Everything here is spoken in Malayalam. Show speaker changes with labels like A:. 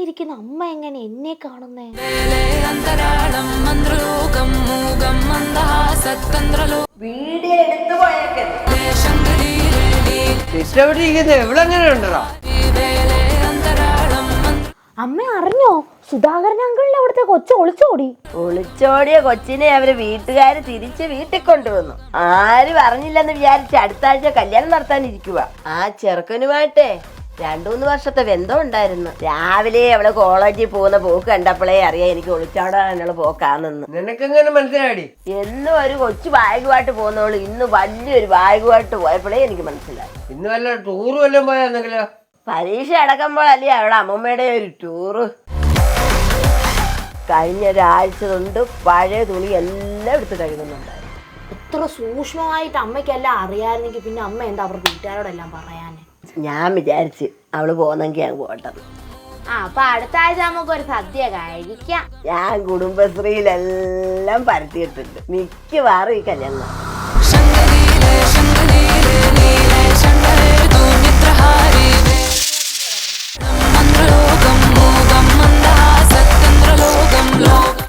A: ഇരിക്കുന്ന അമ്മ എങ്ങനെ എന്നെ കാണുന്നേ?
B: വീഡിയോ എടുത്തു പോയേക്കല്ലേ.
A: അമ്മ അറിഞ്ഞോ? സുധാകരൻ അങ്കിളിന്റെ അവിടുത്തെ കൊച്ചു ഒളിച്ചോടി.
B: ഒളിച്ചോടിയ കൊച്ചിനെ അവര് വീട്ടുകാര് തിരിച്ച് വീട്ടിൽ കൊണ്ടുവന്നു. ആരും അറിഞ്ഞില്ലെന്ന് വിചാരിച്ച് അടുത്ത ആഴ്ച കല്യാണം നടത്താനിരിക്കുക. ആ ചെറുക്കനുമായിട്ടേ 2-3 വർഷത്തെ ബന്ധം ഉണ്ടായിരുന്നു. രാവിലെ അവള് കോളേജിൽ പോകുന്ന പോക്ക് കണ്ടപ്പോഴേ അറിയാം എനിക്ക് ഒളിച്ചോടാനുള്ള പോക്കാണെന്ന്.
C: നിനക്കെങ്ങനെ മനസ്സിലായി?
B: എന്നും ഒരു കൊച്ചു ബാഗുമായിട്ട് പോകുന്നവള് ഇന്ന് വലിയൊരു ബാഗുമായിട്ട് പോയപ്പോഴേ എനിക്ക് മനസ്സിലായി.
C: ഇന്ന് വല്ല ടൂറ് വല്ലതും പോയാന്നെങ്കിലോ?
B: പരീക്ഷ അടക്കുമ്പോഴല്ലേ അവളുടെ അമ്മമ്മയുടെ ഒരു ടൂറ്. കഴിഞ്ഞ ഒരാഴ്ച കൊണ്ട് പഴയ തുണി എല്ലാം എടുത്ത് കഴുകുന്നുണ്ടായിരുന്നു.
A: ഇത്ര സൂക്ഷ്മമായിട്ട് അമ്മയ്ക്കെല്ലാം അറിയാമായിരുന്നെങ്കിൽ പിന്നെ അമ്മ എന്താ അവരുടെ വീട്ടുകാരോടെല്ലാം പറയാന്?
B: ഞാൻ വിചാരിച്ച് അവള് പോന്നെങ്കിൽ ഞാൻ പോട്ടത്.
A: അപ്പൊ അടുത്ത ആഴ്ച നമുക്കൊരു സദ്യ കഴിക്കാം.
B: ഞാൻ കുടുംബശ്രീയിലെല്ലാം പരത്തിയിട്ടുണ്ട്. മിക്കവാറും ഈ കല്യാണം.